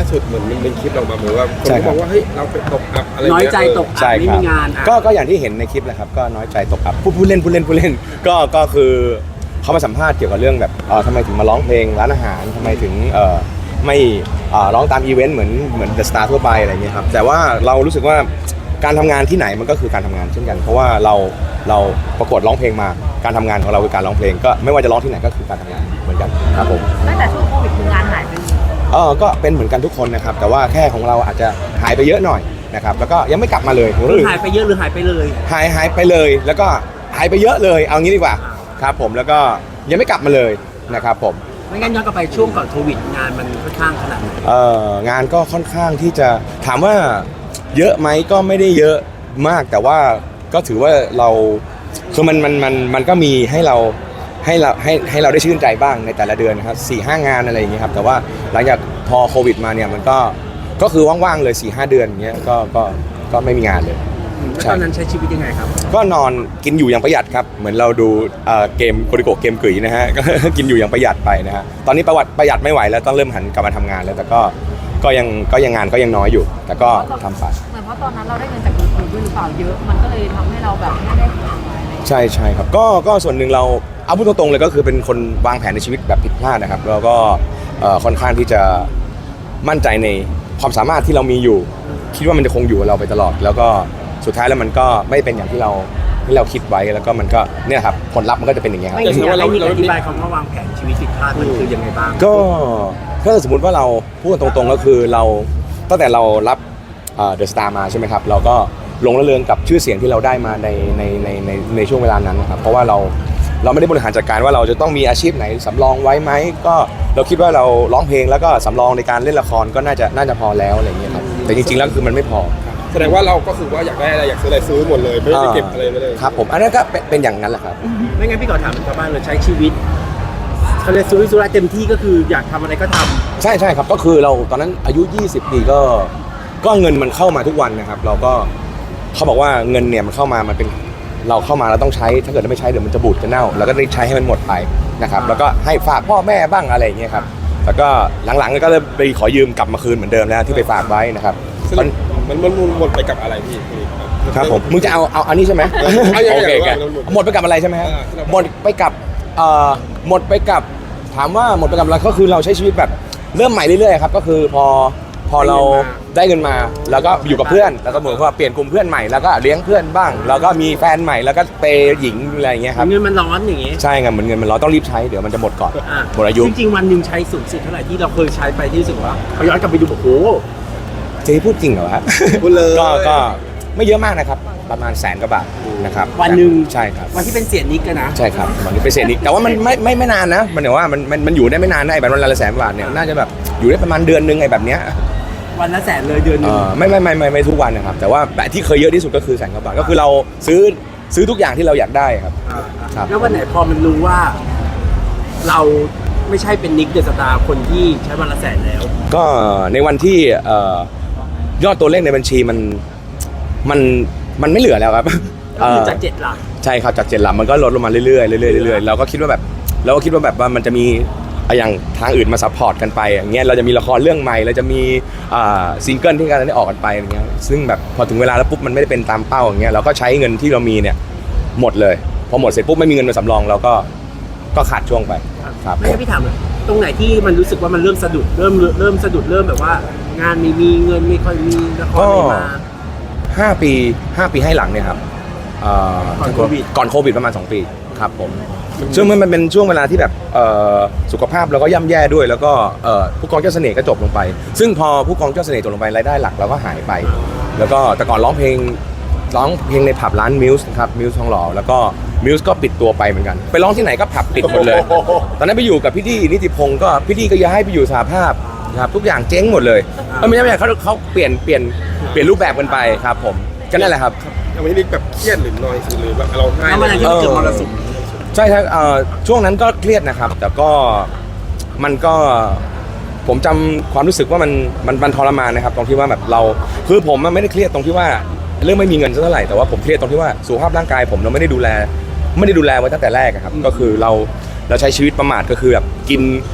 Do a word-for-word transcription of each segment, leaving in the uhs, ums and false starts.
สุดเหมือนมันเป็นคลิปออกมาเหมือนว่าคนบอกว่าเฮ้ยเราไปตกอับอะไรน้อยใจตกอับไม่มีงานก็ก็อย่างที่เห็นในคลิปแหละครับก็น้อยใจตกอับพูดพูดเล่นพูดเล่นพูดเล่นก็ก็คือเขามาสัมภาษณ์เกี่ยวกับเรื่องแบบเออทำไมถึงมาร้องเพลงร้านอาหารทำไมถึงเออไม่ร้องตามอีเวนต์เหมือนเหมือนเดอะสตาร์ทั่วไปอะไรเงี้ยครับแต่ว่าเรารู้สึกว่าการทำงานที่ไหนมันก็คือการทำงานเช่นกันเพราะว่าเราเราประกวดร้องเพลงมาการทำงานของเราคือการร้องเพลงก็ไม่ว่าจะร้องที่ไหนก็คือการทำงานเหมือนกันครับผมตั้งแต่ช่วงโควิดคืองานหายไปเออก็เป็นเหมือนกันทุกคนนะครับแต่ว่าแค่ของเราอาจจะหายไปเยอะหน่อยนะครับแล้วก็ยังไม่กลับมาเลยหายไปเยอะหรือหายไปเลยหายหายไปเลยแล้วก็หายไปเยอะเลยเอางี้ดีกว่าครับผมแล้วก็ยังไม่กลับมาเลยนะครับผมไม่งั้นย้อนกลับไปช่วงก่อนโควิดงานมันค่อนข้างขนาดไหนเอองานก็ค่อนข้างที่จะถามว่าเยอะไหมก็ไม่ได้เยอะมากแต่ว่าก็ถือว่าเราคือมันมันมันมันก็มีให้เราให้เราให้ให้เราได้ชื่นใจบ้างในแต่ละเดือนนะครับสี่ห้างานอะไรอย่างเงี้ยครับแต่ว่าหลังจากพอโควิดมาเนี่ยมันก็ก็คือว่างๆเลย สี่ห้า เดือนอย่างเงี้ยก็ก็ก็ไม่มีงานเลยแล้วตอนนั้นใช้ชีวิตยังไงครับก็นอนกินอยู่อย่างประหยัดครับเหมือนเราดูเกมโคดิโกะเกมกึ๋ยนะฮะก็กินอยู่อย่างประหยัดไปนะฮะตอนนี้ประวัติประหยัดไม่ไหวแล้วต้องเริ่มหันกลับมาทำงานแล้วแต่ก็ก็ยังก็ยังงานก็ยังน้อยอยู่แต่ก็ทำไปเหมือนเพราะตอนนั้นเราได้เงินจากยูทูบด้วยหรือเปล่าเยอะมันก็เลยทำให้เราแบบไม่ได้ใช่ใช่ครับก็ก็ส่วนหนึ่งเราเอาพูดตรงๆเลยก็คือเป็นคนวางแผนในชีวิตแบบผิดพลาดนะครับแล้วก็ค่อนข้างที่จะมั่นใจในความสามารถที่เรามีอยู่คิดว่ามันจะคงอยู่กับเราไปตลอดแล้วก็สุดท้ายแล้วมันก็ไม่เป็นอย่างที่เราที่เราคิดไว้แล้วก็มันก็เนี่ยครับผลลัพธ์มันก็จะเป็นอย่างเงี้ยครับแต่ว่าเราอธิบายคำว่าวางแผนชีวิตผิดพลาดมันคือยังไงบ้างก็ถ้าสมมติว่าเราพูดตรงๆก็คือเราตั้งแต่เรารับเดอะสตาร์มาใช่ไหมครับเราก็หลงระเริงกับชื่อเสียงที่เราได้มาในในในในในช่วงเวลานั้นนะครับเพราะว่าเราเราไม่ได้บริหารจัดการว่าเราจะต้องมีอาชีพไหนสำรองไว้ไหมก็เราคิดว่าเราร้องเพลงแล้วก็สำรองในการเล่นละครก็น่าจะน่าจะพอแล้วอะไรอย่างเงี้ยครับแต่จริงๆแล้วคือมันไม่พอแสดงว่าเราก็คือว่าอยากได้อะไรอยากซื้ออะไรซื้อหมดเลยไม่ได้เก็บอะไรไม่ได้ครับผมอันนั้นก็เป็นอย่างนั้นแหละครับไม่งั้นพี่ขอถามชาวบ้านเลยใช้ชีวิตเขาเรียกสุรุ่ยสุร่ายเต็มที่ก็คืออยากทำอะไรก็ทำใช่ใช่ครับก็คือเราตอนนั้นอายุยี่สิบปีก็ก็เงินมันเข้ามาทุกวันนะครับเราก็เขาบอกว่าเงินเนี่ยมันเข้ามามันเป็นเราเข้ามาเราต้องใช้ถ้าเกิดไม่ใช้เดี๋ยวมันจะบูดจะเน่าเราก็ได้ใช้ให้มันหมดไปนะครับแล้วก็ให้ฝากพ่อแม่บ้างอะไรอย่างเงี้ยครับแล้วก็หลังๆก็เลยไปขอยืมกลับมาคืนเหมือนเดิมแล้วที่ไปฝากไว้นะครับมันมันมันหมดไปกับอะไรพี่ครับผมมึงจะเอาเอาอันนี้ใช่ไหมโอเคกันหมดไปกับอะไรใช่ไหมครับหมดไปกับเอ่อหมดไปกับถามว่าหมดไปกับอะไรก็คือเราใช้ชีวิตแบบเริ่มใหม่เรื่อยๆครับก็คือพอพอเราได้เงินมาแล้วก็อยู่กับเพื่อนแล้วก็เหมือนว่าเปลี่ยนกลุ่มเพื่อนใหม่แล้วก็เลี้ยงเพื่อนบ้างแล้วก็มีแฟนใหม่แล้วก็เปย์หญิงอะไรอย่างเงี้ยครับเงินมันร้อนอย่างงี้ใช่ไงเหมือนเงินมันร้อนต้องรีบใช้เดี๋ยวมันจะหมดก่อนหมดอายุจริงๆวันหนึ่งใช้สูงสุดเท่าไหร่ที่เราเคยใช้ไปที่รู้สึกว่าพอย้อนกลับไปดูโอ้โหเจ๊พูดจริงเหรอฮะพูดเลยก็ก็ไม่เยอะมากนะครับประมาณแสนกว่าบาทนะครับวันหนึ่งใช่ครับวันที่เป็นเสียนิกกันนะใช่ครับวันนี้เป็นเสียนิกแต่ว่ามันไม่ไม่ไม่นานนะมันเดี๋ยวว่ามันมันมันอยู่ได้ไม่นานนะไอ้แบบวันละแสนบาทเนี่ยน่าจะแบบอยู่ได้ประมาณเดือนนึงไอ้แบบเนี้ยวันละแสนเลยเดือนนึงไม่ไม่ไม่ไม่ไม่ทุกวันนะครับแต่ว่าแบบที่เคยเยอะที่สุดก็คือแสนกว่าบาทก็คือเราซื้อซื้อทุกอย่างที่เราอยากได้ครับแล้ววันไหนพอมันรู้ว่าเราไม่ใช่เป็นนิกเดอะสตาร์คนที่ใช้วันละแสนแล้วก็ในวันที่ยอดตัวเลขในบัญชีมันมันมันไม่เหลือแล้วครับก็คือจากเจ็ดหลักใช่ครับจากเจ็ดหลักมันก็ลดลงมาเรื่อยๆเรื่อยๆเรื่อยๆเราก็คิดว่าแบบเราก็คิดว่าแบบว่ามันจะมีอย่างทางอื่นมาซัพพอร์ตกันไปอย่างเงี้ยเราจะมีละครเรื่องใหม่เราจะมีซิงเกิลที่การได้ออกกันไปอย่างเงี้ยซึ่งแบบพอถึงเวลาแล้วปุ๊บมันไม่ได้เป็นตามเป้าอย่างเงี้ยเราก็ใช้เงินที่เรามีเนี่ยหมดเลยพอหมดเสร็จปุ๊บไม่มีเงินมาสำรองเราก็ก็ขาดช่วงไปครับไม่ใช่พี่ถามตรงไหนที่มันรู้สึกว่ามันเริ่มสะดุดเริ่มเริ่มสะดุดเริ่มแบบว่างานไม่มีเงินไม่ค่อยมีละครไม่มาห้าปีห้าปีให้หลังเนี่ยครับก่อนโควิดก่อนโควิดประมาณสองปีครับผมซึ่งมันเป็นช่วงเวลาที่แบบสุขภาพเราก็ย่ำแย่ด้วยแล้วก็ผู้กองเจ้าเสน่ห์ก็จบลงไปซึ่งพอผู้กองเจ้าเสน่ห์จบลงไปรายได้หลักเราก็หายไปแล้วก็แต่ก่อนร้องเพลงร้องเพลงในผับร้านมิวส์ครับมิวส์ทองหล่อแล้วก็มิวส์ก็ปิดตัวไปเหมือนกันไปร้องที่ไหนก็ผับปิดหมดเลยตอนนั้นไปอยู่กับพี่ดีนิติพงศ์ก็พี่ดีก็ย้ายไปอยู่สหภาพครับทุกอย่างเจ๊งหมดเลยไม่ใช่ไม่ใช่เขาเขาเปลี่ยนเปลี่ยนเปลี่ยนรูปแบบกันไปครับผมก็นั่นแหละครับวันนี้นิกแบบเครียดหรือน้อยหรือแบบเราให้แล้วมันอะไรที่เกิดมรสุมใช่ครับช่วงนั้นก็เครียดนะครับแต่ก็มันก็ผมจำความรู้สึกว่ามันมันมันทรมานนะครับตรงที่ว่าแบบเราคือผมไม่ได้เครียดตรงที่ว่าเรื่องไม่มีเงินเท่าไหร่แต่ว่าผมเครียดตรงที่ว่าสุขภาพร่างกายผมเราไม่ได้ดูแลไม่ได้ดูแลไว้ตั้งแต่แรกครับก็คือเราเราใช้ชีวิตประมาทก็คือแบบกิน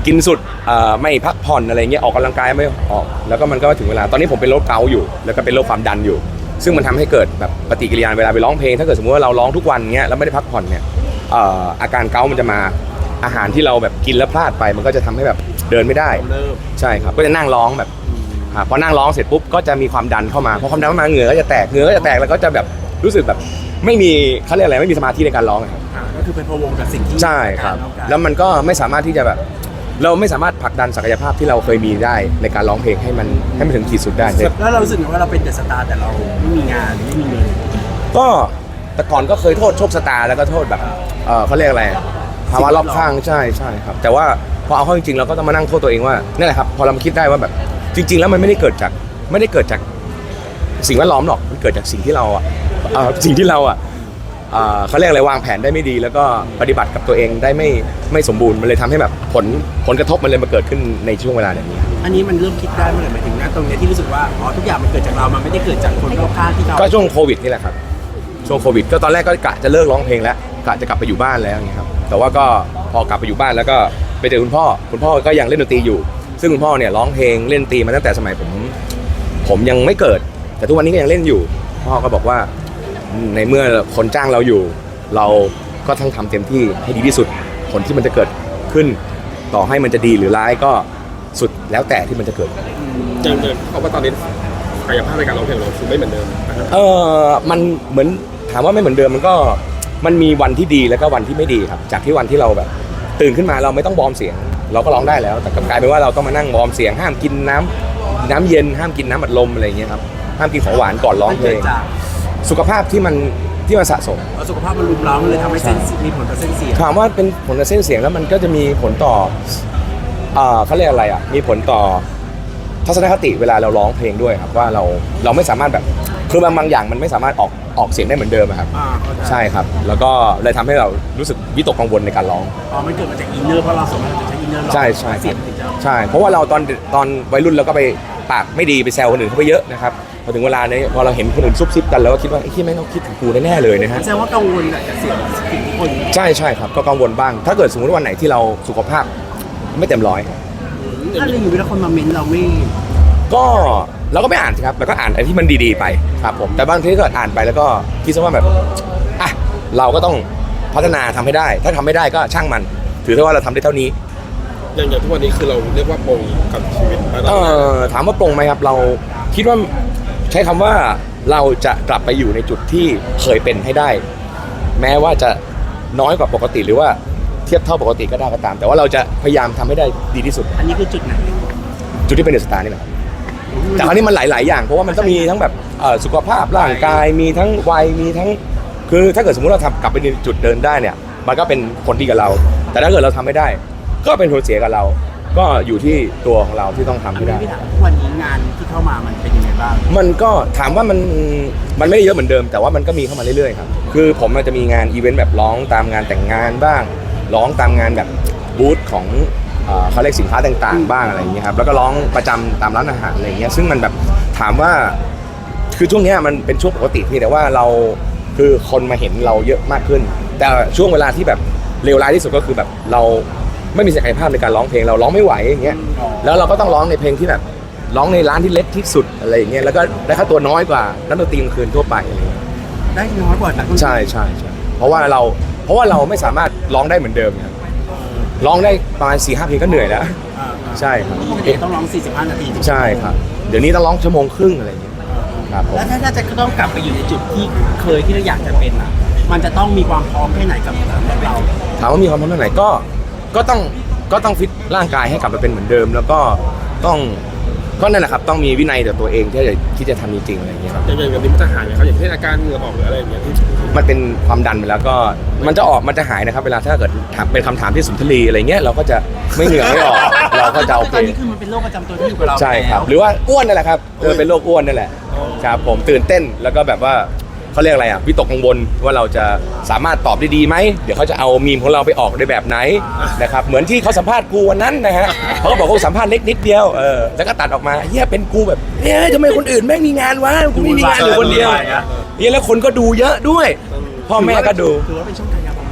กินสุดเอ่อไม่พักผ่อนอะไรเงี้ยออกกำลังกายไม่ออกแล้วก็มันก็ถึงเวลาตอนนี้ผมเป็นโรคเกาต์อยู่แล้วก็เป็นโรคความดันอยู่ ซึ่งมันทำให้เกิดแบบปฏิกิริยาเวลาไปร้องเพลงถ้าเกิดสมมติว่าเราร้องทุกวันเงี้ยแล้วไม่ได้พักผ่อนเนี่ยเอ่ออาการเกาต์มันจะมาอาหารที่เราแบบกินแล้วพลาดไปมันก็จะทำให้แบบเดินไม่ได้เริ่มใช่ครับก็จะนั่งร้องแบบอ่าพอนั่งร้องเสร็จปุ๊บก็จะมีความดันเข้ามาพอความดันเข้ามาเหงื่อก็จะแตกเหงื่อก็จะแตกแล้วก็จะแบบรู้สึกแบบไม่มีเขาเรียกอะไรไม่มีสมาธิในการร้องอะครับอ่าก็คือเป็นพะวงกับสิ่งที่ใช่ครับต้องการแล้วมันก็ไม่สามารถที่จะแบบเราไม่สามารถผลักดันศักยภาพที่เราเคยมีได้ในการร้องเพลงให้มันให้มันถึงขีดสุดได้แล้วเรารู้สึกว่าเราเป็นเดอะสตาร์แต่เราไม่มีงานไม่มีเงินก็แต่ก่อนก็เคยโทษโชคชะตาแล้วก็โทษแบบเออเขาเรียกอะไรภาวะรอบข้างใช่ใช่ครับแต่ว่าพอเอาเข้าจริงๆเราก็ต้องมานั่งโทษตัวเองว่านั่นแหละครับพอเรามาคิดได้ว่าแบบจริง ๆ แล้วมันไม่ได้เกิดจากไม่ได้เกิดจากสิ่งแวดล้อมหรอกมันเกิดจากสิ่งที่เราอ่ะเอ่อสิ่งที่เราอ่ะเอ่อเขาเรียกอะไรวางแผนได้ไม่ดี แล้วก็ปฏิบัติกับตัวเองได้ไม่ไม่สมบูรณ์มันเลยทำให้แบบผลผลกระทบมันเลยมาเกิดขึ้นในช่วงเวลาแบบนี้อันนี้มันเริ่มคิดได้เมื่อไหร่หมายถึงนะตรงเนี้ยที่รู้สึกว่าอ๋อทุกอย่างมันเกิดจากเรา มันไม่ได้เกิดจากคนรอบข้างที่เราก็ช่วงโควิดนี่แหละครับช่วงโควิดก็ตอนแรกก็กะจะเลิกร้องเพลงแล้วกะจะกลับไปอยู่บ้านแล้วอย่างเงี้ยครับแต่ว่าก็พอกลับไปอยู่บ้านแล้วก็ไปเจอคุณพ่อคุณพ่อก็ยังเล่นดนตรีอยู่ ซึ่งคุณพ่อเนี่ยร้องเพลงเล่นดนตรีมาตั้งแต่สมัยผมผมยังไม่เกิด แต่ทุกวันนี้ก็ยังเล่นอยู่พ่อก็บอกว่าในเมื่อคนจ้างเราอยู่ เราก็ต้องทำเต็มที่ให้ดีที่สุดผลที่มันจะเกิดขึ้นต่อให้มันจะดีหรือร้ายก็สุดแล้วแต่ที่มันจะเกิดอย่างเดิมเพราะว่าตอนนี้กายภาพในการร้องเพลงเราคือไม่เหมือนเดิมนะครับเออมันเหมือนถามว่าไม่เหมือนเดิมมันก็มันมีวันที่ดีแล้วก็วันที่ไม่ดีครับจากที่วันที่เราแบบตื่นขึ้นมาเราไม่ต้องวอร์มเสียงเราก็ร้องได้แล้วแต่กลับกลายเป็นว่าเราต้องมานั่งวอร์มเสียงห้ามกินน้ำน้ำเย็นห้ามกินน้ำอัดลมอะไรอย่างเงี้ยครับห้ามกินของหวานก่อนร้องเพลงมันกิดจากสุขภาพที่มันที่มันสะสมเอาสุขภาพมันรุมเร้ามันเลยทำให้เส้นมีผลต่อเส้นเสียงถามว่าเป็นผลต่อเส้นเสียงแล้วมันก็จะมีผลต่อเอ่อเขาเรียกอะไรอ่ะมีผลต่อทัศนคติเวลาเราร้องเพลงด้วยครับว่าเราเราไม่สามารถแบบคือบางบางอย่างมันไม่สามารถออกออกเสียงได้เหมือนเดิมอะครับอ่าเข้าใจใช่ครับแล้วก็เลยทำให้เรารู้สึกวิตกกังวลในการร้องอ๋อมันเกิดมาจากอินเนอร์เพราะเราสามารถจะใช้อินเนอร์ร้องใช่ใช่เสียงถึงจะใช่เพราะว่าเราตอนตอนวัยรุ่นเราก็ไปปากไม่ดีไปแซวคนอื่นเขาไปเยอะนะครับพอถึงเวลาเนี่ยพอเราเห็นคนอื่นซุบซิบกันเราก็คิดว่าไอ้ที่แม่งต้องคิดถึงกูแน่ๆเลยนะฮะแสดงว่ากังวลแหละกับเสียงสิ่งที่คนใช่ใช่ครับก็กังวลบ้าง ถ้าเกิดสมมติวันไหนที่เราสุขภาพไม่เต็มร้อยถ้าเราอยู่เวลาคนมาเม้นเราไม่ก็เราก็ไม่อ่านสิครับแล้วก็อ่านไอ้ที่มันดีๆไปครับผมแต่บางทีก็อ่านไปแล้วก็คิดซะว่าแบบอ่ะเราก็ต้องพัฒนาทำให้ได้ ถ้าทำไม่ได้ก็ช่างมันถือซะว่าเราทำได้เท่านี้อย่างอย่างทุกวันนี้คือเราเรียกว่าปลงกับชีวิตมาตเอลอดอถามว่าปลงไหมครับเราคิดว่าใช้คำว่าเราจะกลับไปอยู่ในจุดที่เคยเป็นให้ได้ แม้ว่าจะน้อยกว่าปกติหรือว่าเทียบเท่าปกติก็ได้ก็ตาม แต่ว่าเราจะพยายามทำให้ได้ดีที่สุดอันนี้คือจุดไหนจุดที่เป็นเดอะสตาร์นี่แหละครับแต่คราวนี้มันหลาย ๆ อย่างเพราะว่ามันต้องมีทั้งแบบเอ่อสุขภาพร่างกายมีทั้งวัยมีทั้งคือถ้าเกิดสมมติเราทำกลับไปในจุดเดินได้เนี่ยมันก็เป็นผลดีกับเรา แต่ถ้าเกิดเราทำไม่ได้ ก็เป็นผลเสียกับเรา ก็อยู่ที่ตัวของเราที่ต้องทำอันให้นี้ได้พี่ถามทุกวันนี้งานที่เข้ามามันเป็นยังไงบ้างมันก็ถามว่ามันมันไม่ได้เยอะเหมือนเดิม แต่ว่ามันก็มีเข้ามาเรื่อยๆครับคือผมอาจจะมีงานอีเวนต์แบบร้องตามงานแต่งงานบ้าง ร้องตามงานแบบบูธของเอ่อเขาเรียกสินค้าต่างๆ บ้างอะไรอย่างเงี้ยครับแล้วก็ร้องประจำตามร้านอาหารอะไรอย่างเงี้ยซึ่งมันแบบถามว่าคือช่วงเนี้ยมันเป็นช่วงปกติที่แต่ว่าเราคือคนมาเห็นเราเยอะมากขึ้น แต่ช่วงเวลาที่แบบเลวร้ายที่สุดก็คือแบบเราไม่มีศักยภาพในการร้องเพลงเราร้องไม่ไหวอย่างเงี้ยแล้วเราก็ต้องร้องในเพลงที่แบบร้องในร้านที่เล็กที่สุดอะไรอย่างเงี้ยแล้วก็ได้ค่าตัวน้อยกว่านักดนตรีกลางคืนทั่วไปอะไรอย่างเงี้ยได้น้อยกว่านักดนตรีใช่ใช่ใช่เพราะว่าเราเพราะว่าเราไม่สามารถร้องได้เหมือนเดิมครับร้องได้ประมาณสี่ห้าเพลงก็เหนื่อยแล้วอ่าๆใช่ครับปกติต้องร้องสี่สิบห้านาทีใช่ครับเดี๋ยวนี้ต้องร้องชั่วโมงครึ่งอะไรอย่างเงี้ยครับผมแล้วถ้าถ้าจะต้องกลับไปอยู่ในจุดที่เคยที่เราอยากจะเป็นอ่ะ มันจะต้องมีความพร้อมแค่ไหนกับสำหรับเราถามว่ามีความพร้อมเท่าไหร่ก็ก็ต้องก็ต้องฟิตร่างกายให้กลับมาเป็นเหมือนเดิม แล้วก็ต้องก็นั่นแหละครับต้องมีวินัยต่อตัวเองที่จะที่จะทำจริงๆอะไรอย่างเงี้ยครับอย่างอย่างนี้มันจะหายไหมครับอย่างเช่นอาการเหงื่อออกหรืออะไรอย่างเงี้ยที่มันเป็นความดันไปแล้วก็มันจะออกมันจะหายนะครับเวลาถ้าเกิดถามเป็นคำถามที่สุนทรีอะไรเงี้ยเราก็จะไม่เหงื่อไม่ออกเราก็จะโอเคตอนนี้คือมันเป็นโรคประจำตัวที่อยู่กับเราใช่ครับหรือว่าอ้วนนั่นแหละครับเออเป็นโรคอ้วนนั่นแหละครับผมตื่นเต้นแล้วก็แบบว่าเขาเรียกอะไรอ่ะวิตกกังวลว่าเราจะสามารถตอบได้ดีไหมเดี๋ยวเขาจะเอามีมของเราไปออกในแบบไหนนะครับเหมือนที่เขาสัมภาษณ์กูวันนั้นนะฮะเขาก็บอกเขาสัมภาษณ์เล็กนิดเดียวเออแล้วก็ตัดออกมาเฮียเป็นกูแบบเฮ้ยทำไมคนอื่นแม่งมีงานวะกูไม่มีงานอยู่คนเดียวเฮียแล้วคนก็ดูเยอะด้วยพ่อแม่ก็ดูถือว่าเป็นช่วงกายภาพ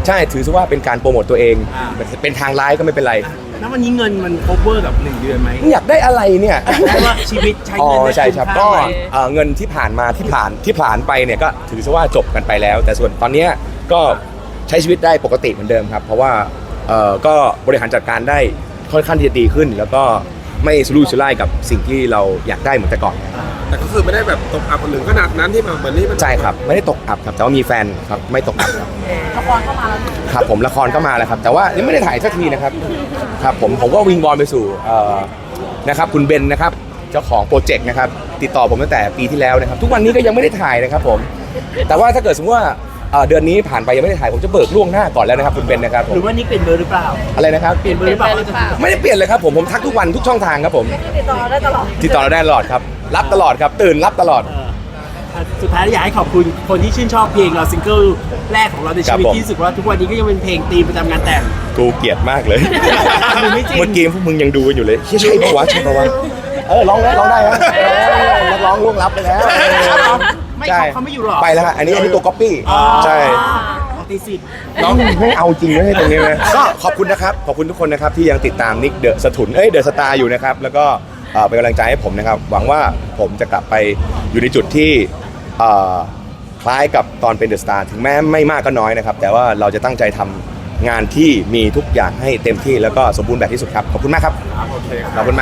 ใช่ถือซะว่าเป็นการโปรโมตตัวเองอ่าเป็นทางร้ายก็ไม่เป็นไรแล้ววันนี้เงินมัน cover กับหนึ่งเดือนไหมอยากได้อะไรเนี่ยเพราะว่าชีวิตใช้อ๋อเงินได้ใช่ครับคุ้มก็ค่าไหมเอ่อเงินที่ผ่านมาที่ผ่านที่ผ่านไปเนี่ยก็ถือซะว่าจบกันไปแล้ว แต่ส่วนตอนเนี้ยก็ใช้ชีวิตได้ปกติเหมือนเดิมครับ เพราะว่าเอ่อก็บริหารจัดการได้ค่อนข้างที่จะดีขึ้น แล้วก็ไม่สลุ่ยสุร่ายกับสิ่งที่เราอยากได้เหมือนแต่ก่อนแต่ก็คือไม่ได้แบบตกอับคนหนึ่งขนาดนั้นที่แบบเหมือนนี่มันใช่ครับไม่ได้ตกอับครับแต่ว่ามีแฟนครับไม่ตกอับครับละครเข้ามาแล้วครับผมละครก็มาแล้วครับ แต่ว่ายังไม่ได้ถ่ายสักทีนะครับครับผมผมก็วิงบอลไปสู่เอ่อนะครับคุณเบนนะครับเจ้าของโปรเจกต์นะครับติดต่อผมตั้งแต่ปีที่แล้วนะครับ ทุกวันนี้ก็ยังไม่ได้ถ่ายนะครับผมแต่ว่าถ้าเกิดสมมติว่าเอ่อเดือนนี้ผ่านไปยังไม่ได้ถ่ายผมจะเบิกล่วงหน้าก่อนแล้วนะครับคุณเบนนะครับผหมรือว่านี่เป็นเบอร์หรือเปล่าอะไรนะครับเปลี่ยนเบอร์หรือเปล่าไม่ได้เปลี่ยนเลยครับผมผมทักทุกวันทุกช่องทางครับผมติดต่อได้ตลอดติดต่อเราได้ตลอดครับรับตลอดครับตื่นรับตลอดเอออ่ะสุดท้ายอยากให้ขอบคุณคนที่ชื่นชอบเพลงเราซิงเกิลแรกของเราในชีวิตครับผมที่รู้สึกว่าทุกวันนี้ก็ยังเป็นเพลงธีมประจำงานแต่งกูเกลียดมากเลยมันไม่จริงเมื่อกี้พวกมึงยังดูกันอยู่เลยเฮ้ยใช่ปะวะใช่ปะวะเออร้องได้ร้องได้ฮะเออนักร้องล่วงลับไปแล้วไม่ใช่เขาเขาไม่อยู่หรอไปแล้วฮะอันนี้อันนี้ตัวก๊อปปี้ใช่ปฏิสิทธิ์น้องไม่เอาจริงเลยตรงนี้นะก็ขอบคุณนะครับขอบคุณทุกคนนะครับที่ยังติดตามนิกเดอะสถุนเอ้ยเดอะสตาร์อยู่นะครับแล้วก็เอ่อเป็นกำลังใจให้ผมนะครับหวังว่าผมจะกลับไปอยู่ในจุดที่เอ่อคล้ายกับตอนเป็นเดอะสตาร์ถึงแม้ไม่มากก็น้อยนะครับแต่ว่าเราจะตั้งใจทำงานที่มีทุกอย่างให้เต็มที่แล้วก็สมบูรณ์แบบที่สุดครับขอบคุณมากครับโอเคครับขอบคุณมาก